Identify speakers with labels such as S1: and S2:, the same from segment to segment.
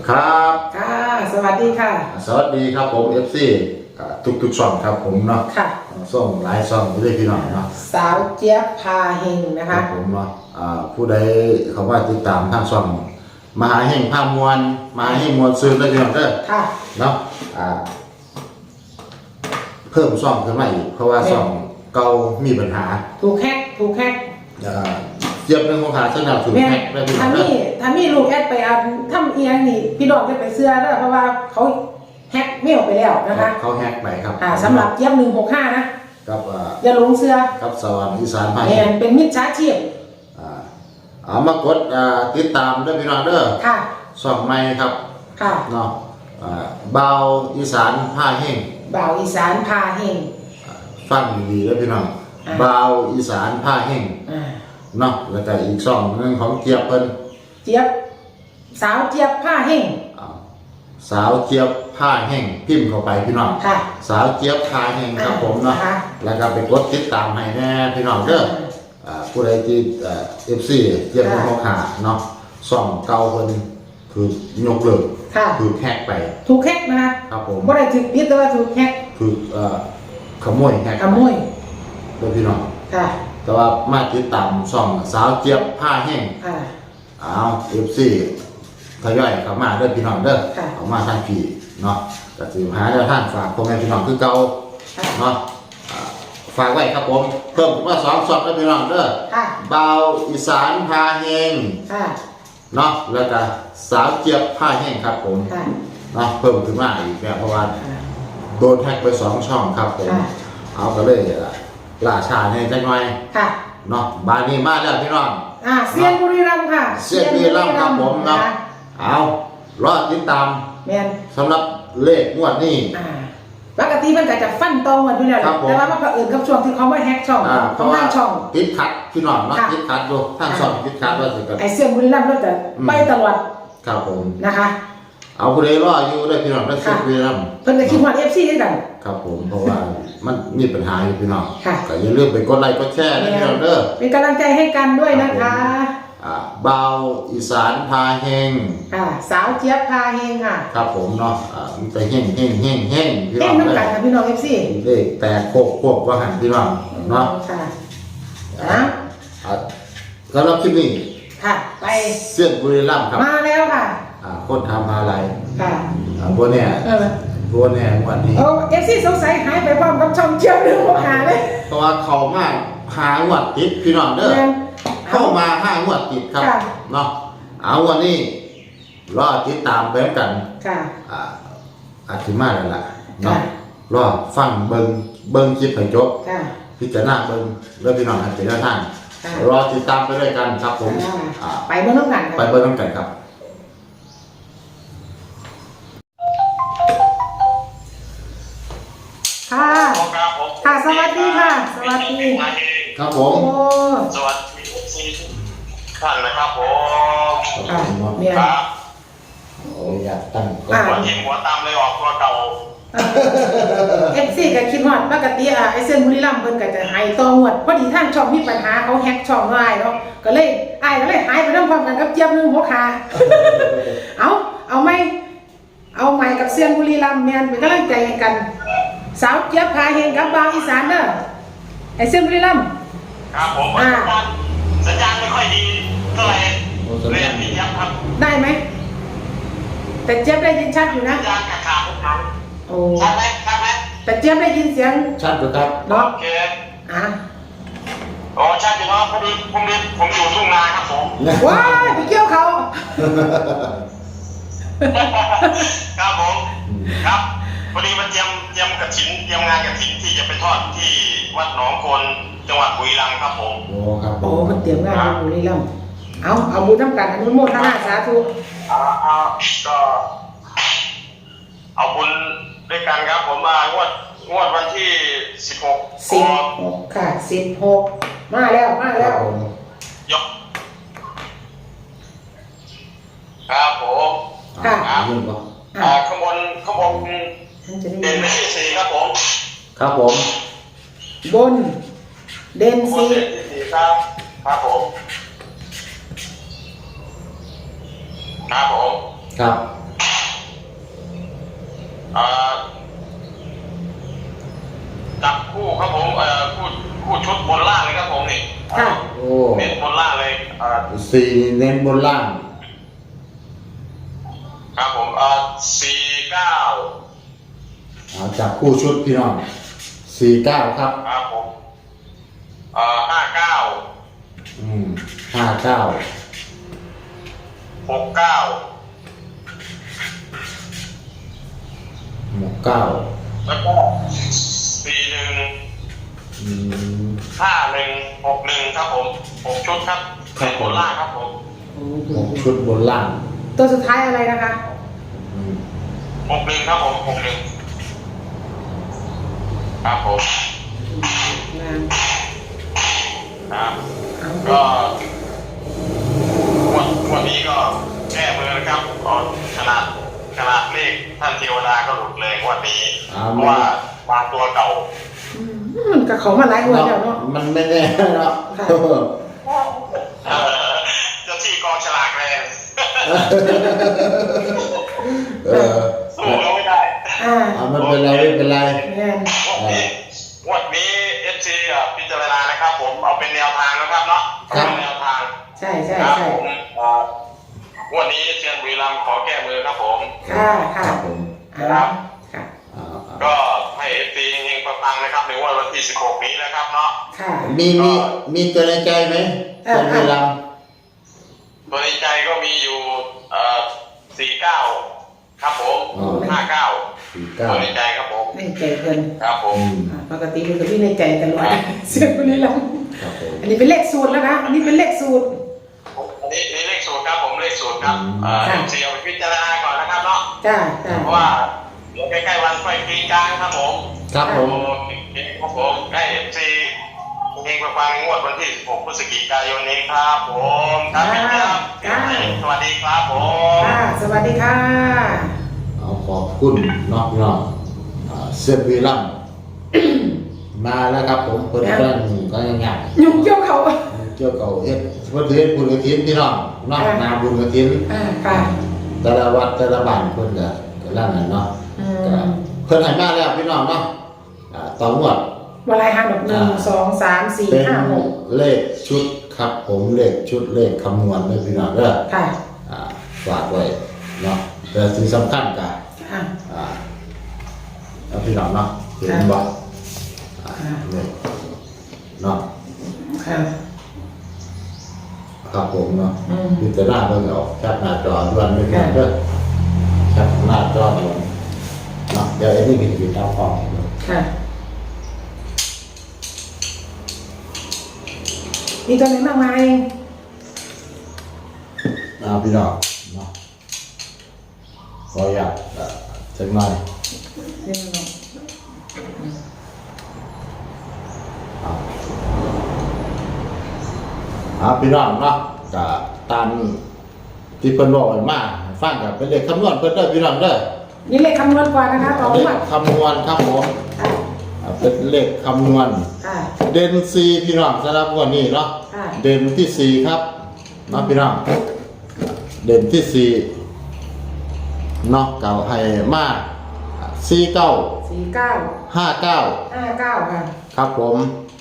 S1: ครับ
S2: ค่ะสวัสดีค่ะ
S1: สวัสดีครับผม FC ทุกช่องครับผมเนาะ
S2: ค่ะ
S1: ส่งหลายช่องอยู่ด้วยพี่น้องเนาะ
S2: สาวเจี๊ยบพาเฮงนะ
S1: ครั
S2: คะ
S1: บผมเนาะผู้ใดเขาว่าติดตามทางช่องมหาแห่งภาพมวลมหาแห่งมวลซื้อได้พี่น้องเด้อ
S2: ค่ะ
S1: เนาะเพิ่มช่องขึ้นมาอีกเพราะว่าช่องเก่ามีปัญหา
S2: ถูกแฮก
S1: เจี๊ยบเรื่องของหาเส้นดาวถูกแฮกได้พี่น้องเด้อ
S2: ถ้ามีลูกแอดไปเอาทำเอียงนี่พี่น้องจะไปเสื้อแล้วเพราะว่าเขาแฮกไม่ออกไปแล้วนะคะ
S1: เขาแฮกไปครับ
S2: สำหรับเจี๊ยบ165นะครับอย่าหลงเสื้อ
S1: ครับสวรรค์อีสานภาค
S2: เป็นมิจฉาชีพ
S1: เอามากดติดตามด้วยพี่น้องเด้อ
S2: ค่ะ
S1: ช่องใหม่ครับ
S2: ค่ะ
S1: เนาะเบาอีสานผ้าแห้ง
S2: บ่าวอีสานพาเฮง
S1: ฟังดีๆแล้วพี่น้องเบาอีสานผ้าแห้งเนาะแล้วก็อีกช่องนึงของเจี๊ยบเพิ่น
S2: เจี๊ยบสาวเจี๊ยบพาเฮง
S1: สาวเจี๊ยบผ้าแห้งพิมพ์เข้าไปพี่น้องสาวเจี๊ยบผ้าแห้งครับผมเนาะแล้วก็ไปกดติดตามให้แน่พี่น้องเด้อผู้ใดที่FC เจี๊ยบของขาเนาะช่องเก่าเพิ่นคือยกเลิกคือแฮกไป
S2: ถูกแฮกนะคะ
S1: ครับผม
S2: บ่ได้ถูกปิดแต่ว่าถูกแฮก
S1: คือขโมยแฮก
S2: ขโมย
S1: โดยพี่น้อง
S2: ค่ะ
S1: แต่ว่ามาติดตามช่องสาวเจี๊ยบผ้าแห้งFC ทยอยเข้ามาเด้อพี่น้องเด้อเข้ามาทางพี่เนาะก็สิหาแนวทางฝากพ่อแม่พี่น้องคือเก่าเนาะฝากไว้ครับผมเพิ่มว่า2ช่องเด้อพี่น้องเด้อเบาอีสานผ้าแห้งเนาะแล้วก็สาวเจี๊ยบผ้าแห้งครับผมเนาะเพิ่มขึ้นมาอีกแล้วเพราะว่าโดนแฮกไป2ช่องครับผมเอาก็เลยล่าช้าในจังหน่อยเนาะบ้านนี้มาแล้วพี่น้อง
S2: เซียนบุรีรัมย์ค่ะ
S1: เซียนบุรีรัมย์ครับผมเนาะเอารอติดตามสำหรับเลขงวดนี้
S2: ปกติมันก็จะฟันตรงกันอยู่แล้วแต่ว่ามันก็อื่นกับช่วงที่เขาไม่แฮกช่องของทางช่อง
S1: ติดขัดพี่น้องเนาะติดขัดดูทางช่องติดขัดว่าสิกัน
S2: ไอเซียนบุรีรัมย์ก็จะไปตลอด
S1: ครับผม
S2: นะคะ
S1: เอาผู้ใดรออยู่ได้พี่น้องได้เซียนบุรีรัมย์
S2: เพิ่นก็คิดว่า FC ด้วยกัน
S1: ครับผมเพราะว่ามันมีปัญหาอยู่พี่น้องก็อย่าลืมไปกดไลค์กดแชร์นะพี่น้องเด้อ
S2: เป็นกำลังใจให้กันด้วยนะคะ
S1: เบาอีสานพาแห้ง
S2: สาวเจี๊ยบพาเฮงค่ะ
S1: ครับผมเนาะมันจะแห้งพี่น้อง
S2: เฮงน้ำกันค่ะพี่น้อง FC
S1: เลขแต่โคกว่าหันพี่น้องเนาะสำหรับคลิปนี้
S2: ไป
S1: เซียนบุรีรัมย์ครับ
S2: มาแล้วค่ะ
S1: คนทำอะไรบัวเนี่ยวันนี้
S2: FC สงสัยหายไปพร้อมกับช่องเจี๊ยบหรือบ่หาเลย
S1: เพราะว่าเขามาหางวดติดพี่น้องเด้อเข้ามา5 งวดติดครับเนาะเอาวันนี้รอติดตามไปกันอาทิมาแล้วล่ะเนาะรอฟังเบิ่งคลิปให้จบพิจารณาเบิ่งเรื่องพี่น้องให้เป็นแนวทางรอติดตามไปด้วยกันครับผม
S2: ไปเบิ่งน้ำกัน
S1: ครับ
S2: ค่ะสวัสดีค่ะสวัสดี
S1: ครับผม
S3: สวัสดีท่านนะครับผม
S1: ครับอยากตั้ง
S3: หัวทีมหัวตามเลยออกตัวเก่า
S2: FC ก็คิดฮอดปกติไอเซียนบุรีรัมย์เพิ่นก็จะหายต่องวดพอดีท่านช่องมีปัญหาเขาแฮกช่องอ้ายเนาะก็เลยหายไปพร้อมกันกับเจี๊ยบ165เอาไหมกับเซียนบุรีรัมย์แม่นเป็นกำลังใจให้กันสาวเจี๊ยบพาเฮงกับบางอีสานเด้อไอเซียนบุรีรัมย์
S3: ครับผมสัญญาณไม่ค่อยดีเท่าไหร่เรียนพี่ยับครับ
S2: ได้ไหมแต่เจี๊ยบได้ยินชัดอยู่นะ
S3: สัญญาณขาดครับ
S2: โอ้
S3: ชัดไหม
S2: แต่เจี๊ยบได้ยินเสียง
S1: ชัดอยู่ครับ
S2: เนาะ
S3: โอเคชัดอยู่เนาะผมอยู่ทุ่งนาครับผม
S2: ว้ายไปเกี่ยวเขา
S3: ครับผมครับพอดีมาเตรียมกฐินเตรียมงานกฐินที่จะไปทอดที่วัดหนองโคนจังหวัดบุรีรัมย์ครับผม
S1: ครับ
S2: มันเตรียมงานที่บุรีรัมย์เอาบุญน้ำกันอนุโมทนาสาธุ
S3: ก็เอาบุญด้วยกันครับผมมางวดวันที่16
S2: ค่ะ16มาแล้ว
S3: ยกครับผมข้างบนเด่นที่4ครับผม
S1: ครับผม
S2: บนเด่น4
S3: ครับผม
S1: ครับ
S3: จับคู่ครับผมคู่ชุดบนล่างเลยครับผมนี่
S2: ค่ะ
S1: โอ้
S3: เน้นบนล่างเลย
S1: สี่เน้นบนล่าง
S3: ครับผม49
S1: จับคู่ชุดพี่น้อง49ครับ
S3: ครับผม
S1: 59
S3: 69
S1: 69
S3: แล้วก็41 5161ครับผม6ชุดครับเน้นบนล่างครับผม
S1: 6ชุดบนล่าง
S2: ตัวสุดท้ายอะไรนะคะ
S3: 61ครับผม61ครับผมครับก็วันนี้ก็แก้มือนะครับขนาดเลขท่านเทวดาก็หลุดเลยวันนี้เพราะว่ามาตัวเก่า
S2: มันกับเขามาหลายวันแล้วเนาะ
S1: มันไม่แน่เนาะ
S3: เจ้าที่กองฉลากแรง สู้เราไม่ได้
S1: ไม่เป็นไรไม่เป็นไร
S3: วันนี้FC พิจารณานะครับผมเอาเป็นแนวทางนะครับเนาะเป็นแนวทาง
S2: ใช่
S3: ครับผมวันนี้เซียนบุรีรัมย์ขอแก้มือครับผม
S2: ค่ะค่ะ
S3: ครับ
S2: ค่ะ
S3: ก็ให้ FC เฮงๆปังๆนะครับในวันที่16นี้นะครับเนาะ
S2: ค่ะ
S1: มีตัวในใจไหมเป็นเวลา
S3: ตัวในใจก็มีอยู่49ครับผม59ตัวในใจครับผม
S2: ในใจเพิ่น
S3: ครับผม
S2: ปกติมันก็ที่ในใจตลอดเสียงบุรีรัมย์
S1: ครับผม
S2: อันนี้เป็นเลขสูตรแล้วนะอันนี้เป็นเลขสูตร
S3: อันนี้เลขสูตรครับผมเลขสูตรครับFC เอาไปพิจารณาก่อนนะครับเนาะ
S2: จ้า
S3: เพราะว่าเดี๋ยวใกล้ๆวันไฟกรีดกลางครับผม
S1: ครับผม
S3: ครับผมใกล้ FC เฮงปังๆงวดวันที่16พฤศจิกายนนี้ครับผมครับสวัสดีครับผม
S2: ค่ะสวัสดีค่ะ
S1: ขอบคุณน้องเซียนวีรัมมาแล้วครับผมเพิ่นก็ยังไง
S2: ยุ่งเกี่ยวเขา
S1: เกี่ยวกับเฮ็ดเพิ่นเฮ็ดบุญกฐินพี่น้องเนาะนาบุญกฐิน
S2: ค่ะ
S1: แต่ละวัดแต่ละบ้านเพิ่นก็ล่างนั่นเนาะก็เพิ่นให้มาแล้วพี่น้องเนาะต่องวด
S2: วันไรห้า1 2 3 4
S1: เป็น
S2: 5 6
S1: เลขชุดครับผมเลขชุดเลขคำนวณเลยพี่น้องเด้อ
S2: ค่ะ
S1: ฝากไว้เนาะแต่สิ่งสำคัญก็พี่น้องเนาะเห็นบ่นี่เนาะ
S2: ค่ะ
S1: ครับผมเนาะพิจารณาเบิ่งเอาแคปหน้าจอด่วนไปก่อนเด้อแคปหน้าจอด่วนเนาะเดี๋ยวไอ้นี่ก็สิตามฟ้อง
S2: ค่ะมีตัวไหนมากมาย
S1: พี่น้องเนาะขออยากสักหน่อยพี่น้องเนาะก็ตามที่เพิ่นบอกไว้มาฟังก็เป็นเลขคำนวณเพิ่นเด้อพี่น้องเด้อ
S2: นี่เลขคำนวณก่อนนะคะต่อ
S1: เล
S2: หม
S1: ข
S2: ด
S1: คำนวณครับผมเป็นเลขคำนวณ
S2: ค่ะ
S1: เด่น4พี่น้องสำหรับงวดนี้เนาะเด่นที่4ครับเนาะพี่น้องเด่นที่4เนาะเก่าให้มา49
S2: 49
S1: 59
S2: 59ค่ะ
S1: ครับผม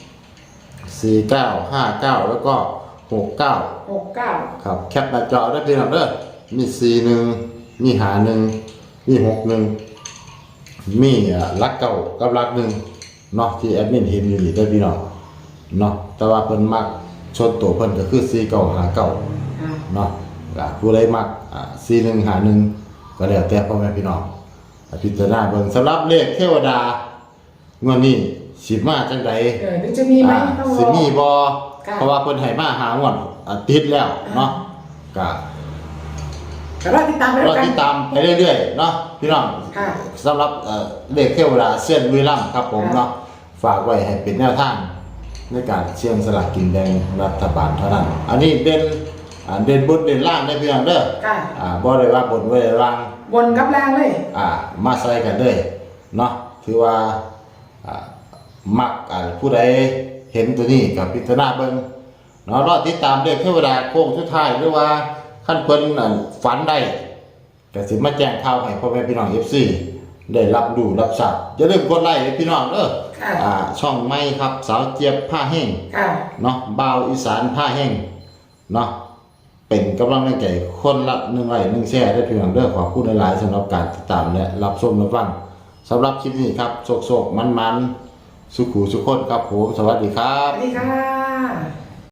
S1: 49 59แล้วก็69
S2: 69
S1: ครับแคปหน้าจอได้พี่น้องเด้อมี41มี51มี61มีหลักเก่ากับหลัก1เนาะที่แอดมินเห็นอยู่นี่เด้อพี่น้องเนาะแต่ว่าเพิ่นมักชนตัวเพิ่นก็คือ4959เนาะผู้ใดมัก4151ก็แล้วแต่พ่อแม่พี่น้องพิจารณาเบิ่งสำหรับเลขเทวดางวดนี้สิมาจังได๋
S2: จะมีไหมต้องรอ
S1: สิมีบ่เพราะว่าเพิ่นให้มาหางวดติดแล้วเนาะก็
S2: รอติดตามไป
S1: ร
S2: แล้
S1: อ
S2: วกัน
S1: ติดตามไปเรื่อยๆเนาะพี่น้อง
S2: ค่ะ
S1: สำหรับเลขเทวดาเส้นบุรีรัมย์ครับผมเนาะฝากไว้ให้เป็นแนวทางในการเสี่ยงสลากกินแบ่งรัฐบาลเท่านั้นอันนี้เด่นบนเด่นล่างได้พี่น้องเด้อ
S2: ค่ะ
S1: บ่ได้ว่าบนไว้ล่าง
S2: บนกับล่างเลย
S1: มาใส่กันเลยเนาะถือว่ามักผู้ใดเห็นตัวนี้กับพิจารณาเบิ่งเนาะรอติดตามเลขเทวดาโค้งสุดท้ายหรือว่าขั้นเพิ่นฝันได้ก็สิมาแจ้งข่าวให้พ่อแม่พี่น้อง FC ได้รับดูรับทราบอย่าลืมกดไลค์ให้พี่น้องเด้อช่องใหม่ครับสาวเจี๊ยบผ้าแห้งเนาะบ่าวอีสานผ้าแห้งเนาะเป็นกำลังใจคนละ1 ไลค์ 1 แชร์ได้พี่น้องเด้อขอบคุณหลายๆสำหรับการติดตามและรับชมรับฟังสำหรับคลิปนี้ครับโศกๆมันๆสุขุสุขคนครับผมสวัสดีครับ
S2: สวัสดีค่ะ